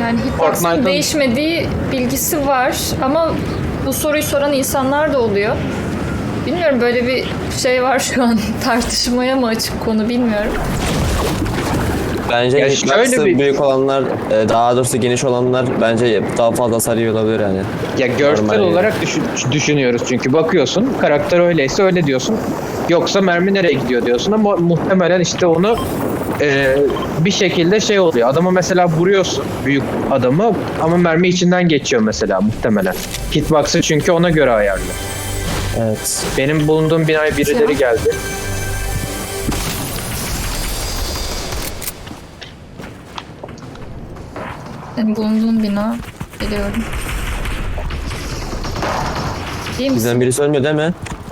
Yani hitbox'ın değişmediği bilgisi var ama bu soruyu soran insanlar da oluyor. Bilmiyorum, böyle bir şey var şu an. Tartışmaya mı açık konu bilmiyorum. Bence Ya hitbox'ı şöyle büyük olanlar, daha doğrusu geniş olanlar bence daha fazla hasar yiyor olabilir yani. Ya görsel Normal. olarak düşünüyoruz çünkü bakıyorsun karakter öyleyse öyle diyorsun. Yoksa mermi nereye gidiyor diyorsun ama muhtemelen işte onu bir şekilde şey oluyor. Adamı mesela vuruyorsun, büyük adamı, ama mermi içinden geçiyor mesela muhtemelen. Hitbox'ı çünkü ona göre ayarlı. Evet. Benim bulunduğum binaya birileri geldi. Benim bulunduğum bina. Biliyorum. İyi misin? Bizden birisi ölmüyor değil mi?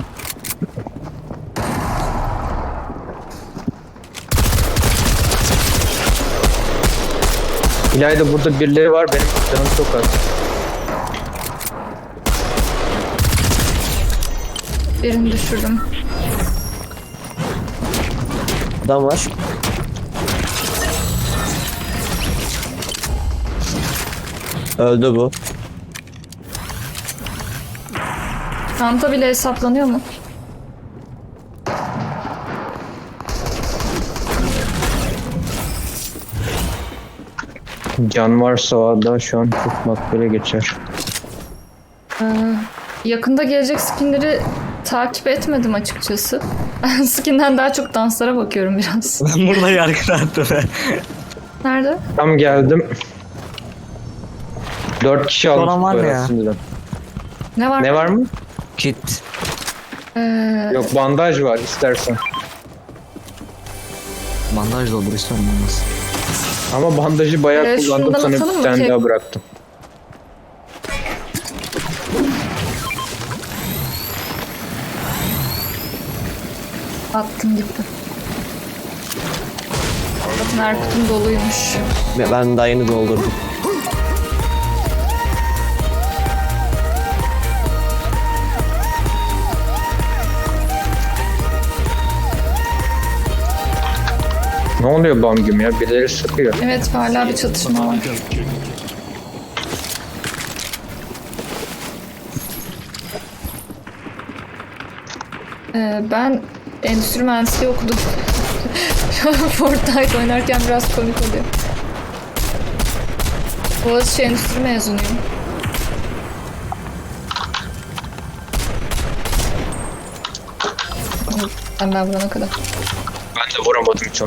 İlayda burada birileri var, benim canım çok az. Birini düşürdüm. Adam var. Öldü bu. Çanta bile hesaplanıyor mu? Can varsa o da şu an çok makbule geçer. Yakında gelecek skinleri takip etmedim açıkçası. Ben skinden daha çok danslara bakıyorum biraz. Ben burada yargılandım. Nerede? Tam geldim. 4 kişi Olan almış var bu mı ya? arasında. Ne var? Ne var mı? Kit. Yok, bandaj var istersen. Bandaj da olur, istiyorum olmaz. Ama bandajı bayağı kullandım, şundan sonra atalım bir mı tane ki? daha bıraktım. Attım gitti. Bakın Erkut'un doluymuş. Ben daha yeni doldurdum. Ne oluyor bam güm ya? Birileri sıkıyor. Evet, hala bir çatışma var. Ben endüstri mühendisliği okudum. Fortnite oynarken biraz komik oluyor. Boğaziçi endüstri mezunuyum. Ben vurana kadar. Ben de vuramadım hiç onu.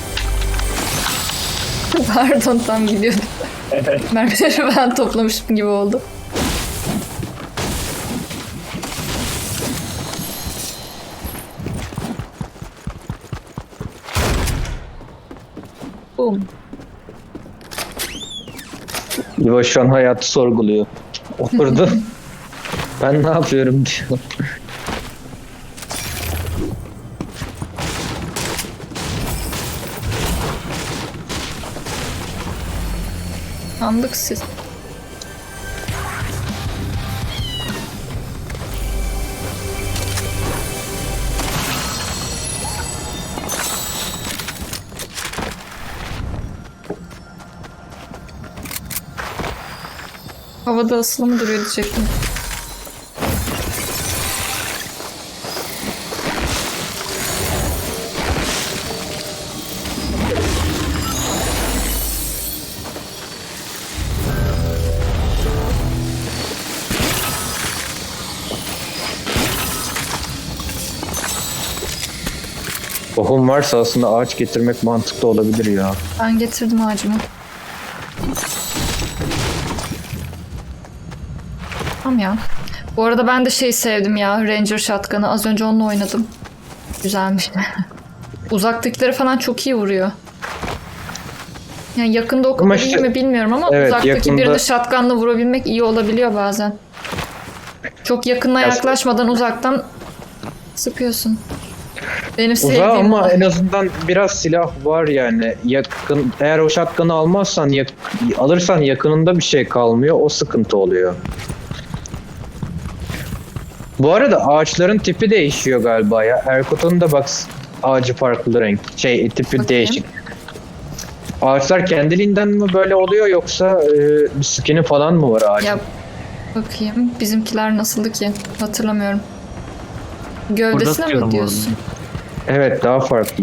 Pardon, tam gidiyordum. Mermileri ben toplamışım gibi oldu. Boom. Yuva şu an hayatı sorguluyor. Oturdu. Ben ne yapıyorum diyor. Andık siz. Havada asılı mı duruyor diyecektim. Tohum varsa aslında ağaç getirmek mantıklı olabilir ya. Ben getirdim ağacımı. Tamam ya. Bu arada ben de şey sevdim ya. Ranger Shotgun'ı. Az önce onunla oynadım. Güzelmiş. Uzaktakileri falan çok iyi vuruyor. Yani yakında o kadar Ama iyi işte- mi bilmiyorum ama Evet, uzaktaki yakında- birini shotgun'la vurabilmek iyi olabiliyor bazen. Çok yakına Ya- yaklaşmadan uzaktan sıkıyorsun. Benim Uzağa sevdiğim ama o. en azından biraz silah var yani. Yakın, eğer o shotgun'ı almazsan, alırsan yakınında bir şey kalmıyor. O sıkıntı oluyor. Bu arada ağaçların tipi değişiyor galiba ya. Erkut'un da bak, ağacı farklı renk. Tipi Bakayım. değişik. Ağaçlar kendiliğinden mi böyle oluyor yoksa bir skin'i falan mı var ağacın? Ya bakayım bizimkiler nasıldı ki? Hatırlamıyorum. Burada Gövdesine tutuyorum mi bu diyorsun? Evet, daha farklı.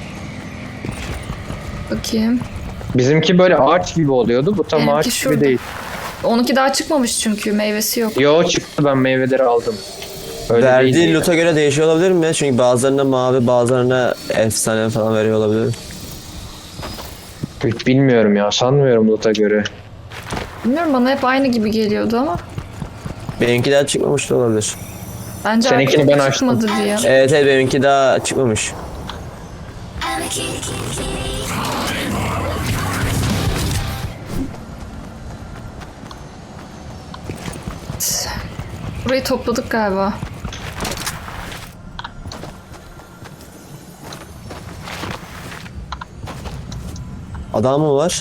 Bakayım. Bizimki böyle ağaç gibi oluyordu. Bu tam Benimki ağaç şurada. gibi değil. Onunki daha çıkmamış çünkü meyvesi yok. Yo, çıktı, ben meyveleri aldım. Öyle Verdiği değil. loot'a göre değişiyor olabilir mi? Çünkü bazılarına mavi, bazılarına efsane falan veriyor olabilir. Bilmiyorum ya, sanmıyorum loot'a göre. Bilmiyorum, bana hep aynı gibi geliyordu ama. Benimki daha çıkmamış da olabilir. Bence Seninkini arkadaki ben açtım. çıkmadı diye. Evet evet, benimki daha çıkmamış. Burayı topladık galiba. Adam mı var?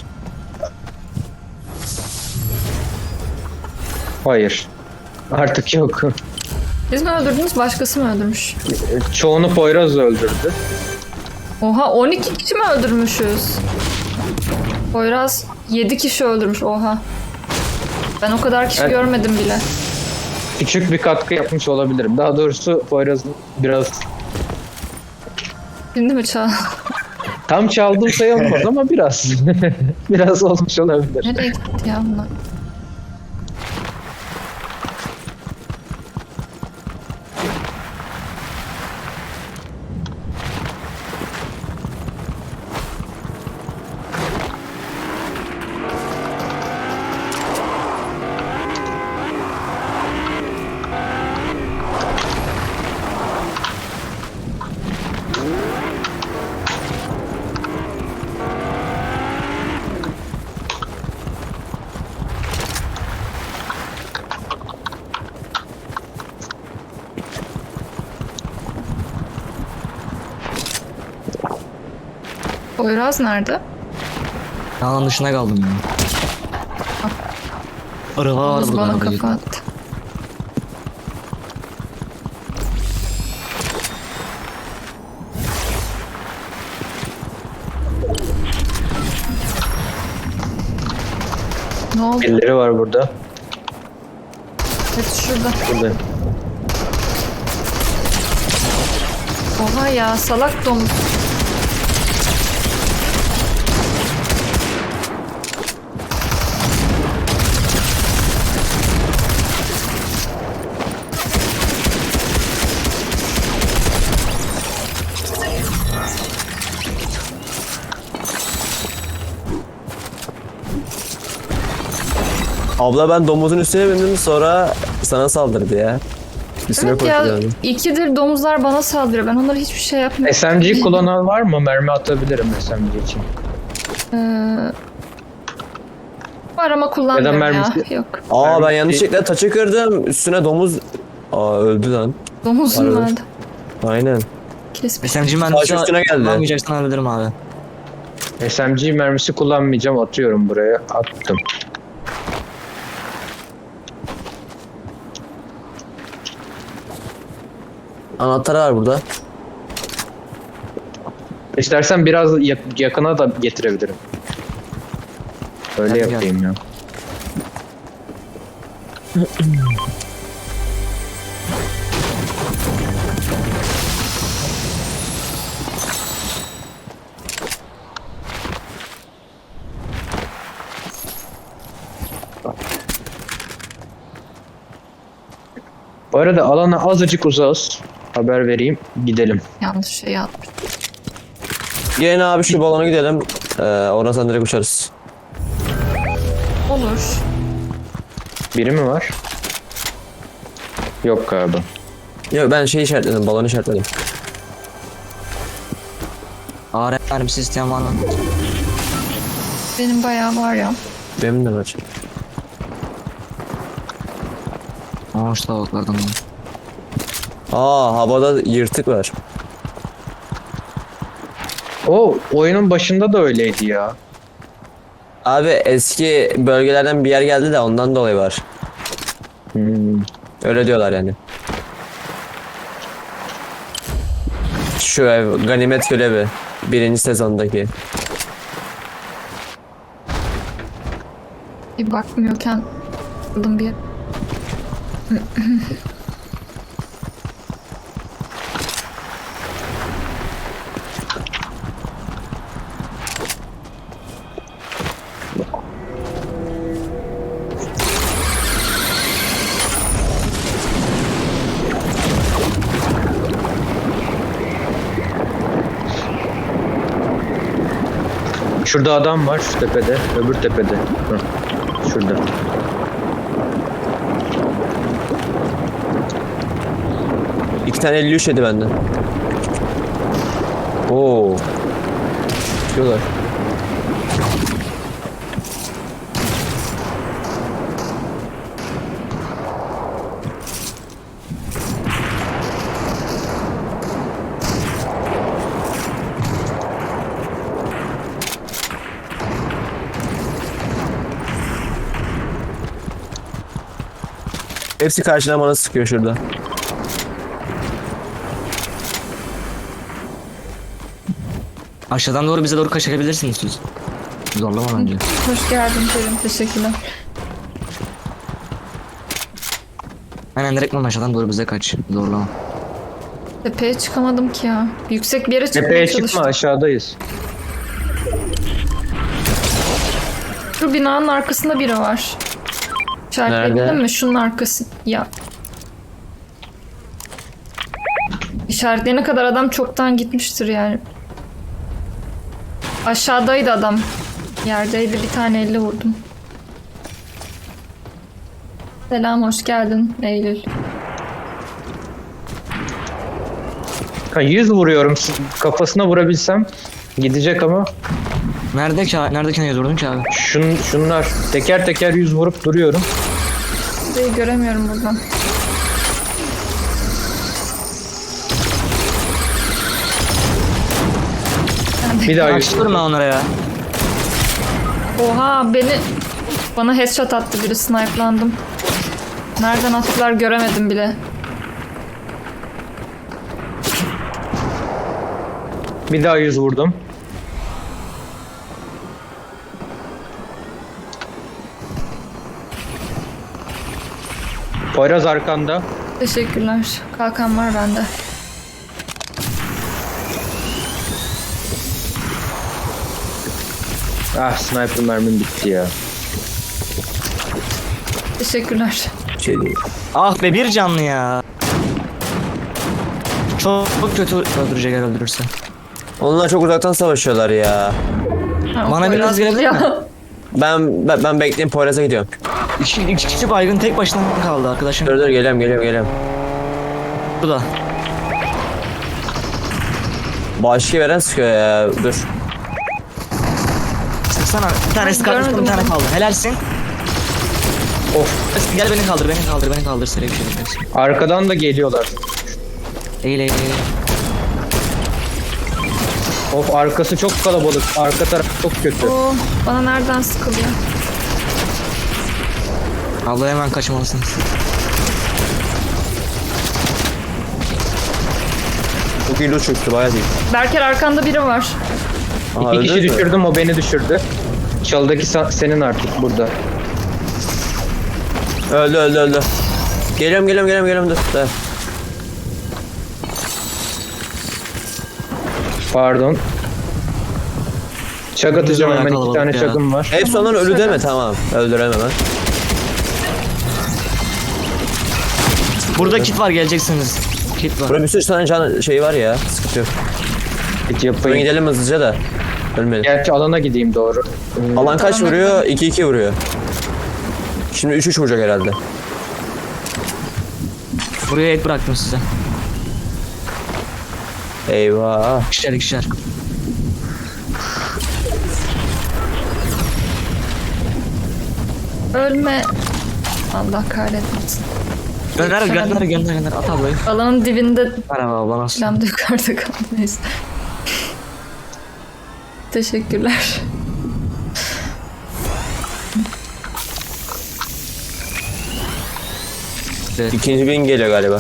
Hayır. Artık yok. Siz mi öldürdünüz, başkası mı öldürmüş? Çoğunu Poyraz öldürdü. Oha, 12 kişi mi öldürmüşüz? Poyraz 7 kişi öldürmüş, oha. Ben o kadar kişi Evet. görmedim bile. Küçük bir katkı yapmış olabilirim. Daha doğrusu Poyraz'ın biraz Şimdi mi çağ? tam çaldığım sayılmaz ama biraz. Biraz olmuş olabilir. Nereye gitti ya bunlar? Poyraz nerede? Alan dışına kaldım ya. Araba var Poyraz burada. bana araba kafa gidiyor. attı. Ne oldu? Birileri var burada. Evet, şurada. Burada. Oha ya, salak domuz. Abla ben domuzun üstüne bindim, sonra sana saldırdı ya. Üstüne Evet ya, koştu yani. ikidir domuzlar bana saldırıyor. Ben onlara hiçbir şey yapmıyorum. SMG kullanan var mı? Mermi atabilirim SMG için. Var ama kullanmıyorum ya. mermisi- Yok. Aa, ben Mermi- yanlışlıkla taça kırdım. Üstüne domuz... Aa, öldü lan. Domuzun Pardon. vardı. Aynen. Kesmiş. SMG Taş mühendisi üstüne geldi. kullanmayacaksan alabilirim abi. SMG mermisi kullanmayacağım. Atıyorum buraya. Attım. Anahtarı var burada. İstersen biraz yakına da getirebilirim. Öyle Hadi gel. yapayım ya. Bu arada alana azıcık uzağız. Haber vereyim. Gidelim. Yanlış şey yapmış. Gelin abi şu balona gidelim. Oradan direkt uçarız. Olur. Biri mi var? Yok galiba. Yok, ben şey işaretledim, balonu işaretledim. AR mermisi isteyen var mı? Benim bayağı var ya. Benim de var. Aa şu tavuklardan var. Aa, havada yırtık var. O oyunun başında da öyleydi ya. Abi eski bölgelerden bir yer geldi de ondan dolayı var. Hmm. Öyle diyorlar yani. Şu ev ganimet görevi. 1. sezondaki. Bir bakmıyorken aldım bir. Şurada adam var şu tepede. Öbür tepede. Hı. Şurada. İki tane 53 yedi benden. Oo. Diyorlar. Hepsi karşına bana sıkıyor şurada. Aşağıdan doğru bize doğru kaçabilirsiniz siz. Zorlama bence. Hoş geldin Kerim. Teşekkürler. Aynen direktman aşağıdan doğru bize kaç. Zorlama. Tepeye çıkamadım ki ya. Yüksek bir yere çıkmaya Tepeye çalıştım. çıkma, aşağıdayız. Şu binanın arkasında biri var. İşaretlebildin Nerede? mi? Şunun arkası. Ya. İşaretleyene kadar adam çoktan gitmiştir yani. Aşağıdaydı adam. Yerdeydi, bir tane elle vurdum. Selam, hoş geldin Eylül. Ha, 100 vuruyorum. Kafasına vurabilsem gidecek ama Nerede ki? Neredekine yazıyordun ki abi? şunlar teker teker 100 vurup duruyorum. Burayı göremiyorum buradan. Bir daha 100. Açtırma onlara ya. Oha, bana headshot attı biri, snipe'landım. Nereden attılar göremedim bile. Bir daha 100 vurdum. Poyraz arkanda. Teşekkürler. Kalkan var bende. Ah, sniper mermim bitti ya. Teşekkürler. Şey değil. Ah be, bir canlı ya. Çok kötü öldürecek eğer öldürürse. Onlar çok uzaktan savaşıyorlar ya. Ha, Bana o biraz kadar. gelebilir mi? Ben bekleyeyim, Poyraz'a gidiyorum. İki kişi baygın tek başına kaldı arkadaşım. Dur geliyorum. Burada. Başki veren sıkıyor ya. Dur. Sıksana. Bir tanesi Ben kaldı, bir görmedim tane onu. kaldı. Helalsin. Of, Gel beni kaldır. Seri bir şey yapacaksın. arkadan da geliyorlar. Eğil. Of, arkası çok kalabalık. Arka taraf çok kötü. Oo, bana nereden sıkılıyor? Abla hemen kaçmalısınız. Çok iyi loot çıktı, bayağı iyi. Berker, arkanda biri var. Aha, İki kişi öldünüz mü? düşürdüm, o beni düşürdü. Çalıdaki senin artık burada. Öldü. Geliyorum dur. Dur. Pardon. Çak atacağım bayağı hemen, iki kalabalık tane ya. çakım var. Hepsi onların ölü deme, tamam. Öldüremem ben. Burada kit var, geleceksiniz. Kit var. Burada bir sürü tane can şey var ya. Sıkıntı yok. Hiç Buraya yapayım. gidelim hızlıca da. Ölmeyelim. Gerçi alana gideyim doğru. Alan kaç Alana vuruyor? 2-2 vuruyor. Şimdi 3-3 vuracak herhalde. Buraya et bıraktım size. Eyvah. İkişer. Ölme. Allah kahretmesin. Gönder. At ablayı. Alanın dibinde Merhaba abla, nasılsın? falan da yukarıda kalmayız. Teşekkürler. İkinci bin geliyor galiba.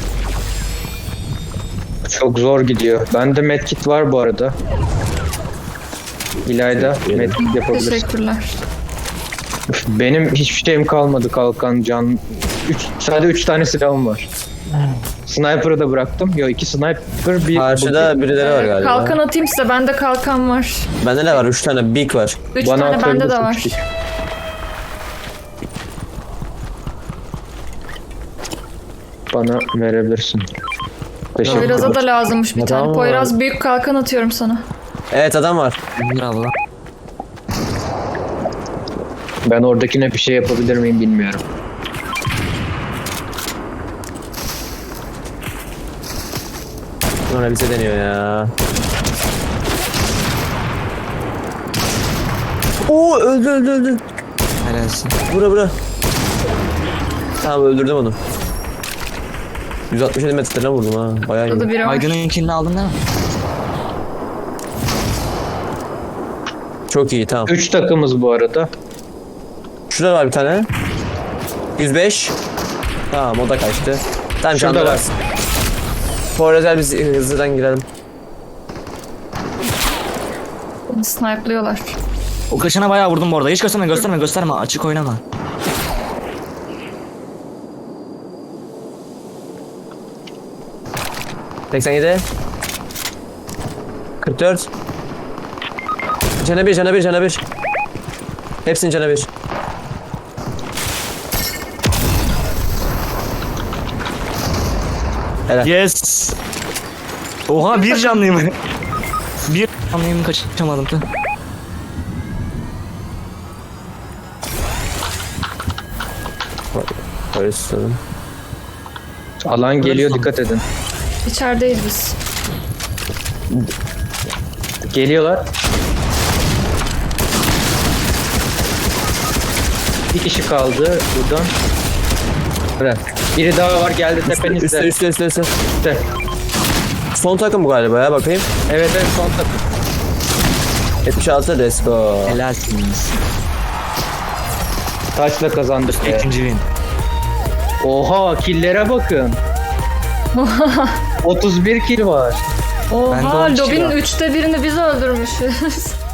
Çok zor gidiyor. Bende medkit var bu arada. İlayda Teşekkür ederim. medkit yapabilirsin. Teşekkürler. Benim hiçbir şeyim kalmadı kalkan can. Sadece 3 tane silahım var. Sniper'ı da bıraktım. Yo 2 sniper bir... Karşıda birileri var galiba. Kalkan atayım size. Bende kalkan var. Bende ne var? 3 tane big var. 3 Bana tane bende de atabilirsin var. çünkü. Bana verebilirsin. Teşekkür Poyraz'a ederim. da lazımmış bir Adam tane. var. Poyraz büyük kalkan atıyorum sana. Evet adam var. Bravo. Ben oradakine bir şey yapabilir miyim bilmiyorum. Ona bize deniyor ya. Oo öldü. Helalsin. Bura. Tamam öldürdüm onu. 167 metreden vurdum ha. Bayağı Burada iyi. biri var. Aygın'ın kilini aldın değil mi? Çok iyi tamam. 3 takımız bu arada. Şurada var bir tane. 105. Tamam o da kaçtı. Tamam şu anda Şurada var. Poyraz'a biz hızlıdan girelim. Snipe'lıyorlar. O kaçana bayağı vurdum bu arada. Hiç gösterme. Açık oynama. Hı. 87. 44. Cana bir. Hepsinin cana bir. Helal. Yes. Oha bir canlıyım. Bir canlıyım kaçamadım. Poyraz tutalım. Alan geliyor dikkat edin. İçerideyiz biz. Geliyorlar. Bir kişi kaldı buradan. Evet. Biri daha var geldi tepenizde. Üstte. Üstte. Son takım bu galiba ya bakayım. Evet son takım. 76 let's go. Helalsiniz. Taçla kazandık ya. İkinci win. Oha killere bakın. 31 kill var. Bende Oha 10 kişi lobinin var. 3'te birini biz öldürmüşüz.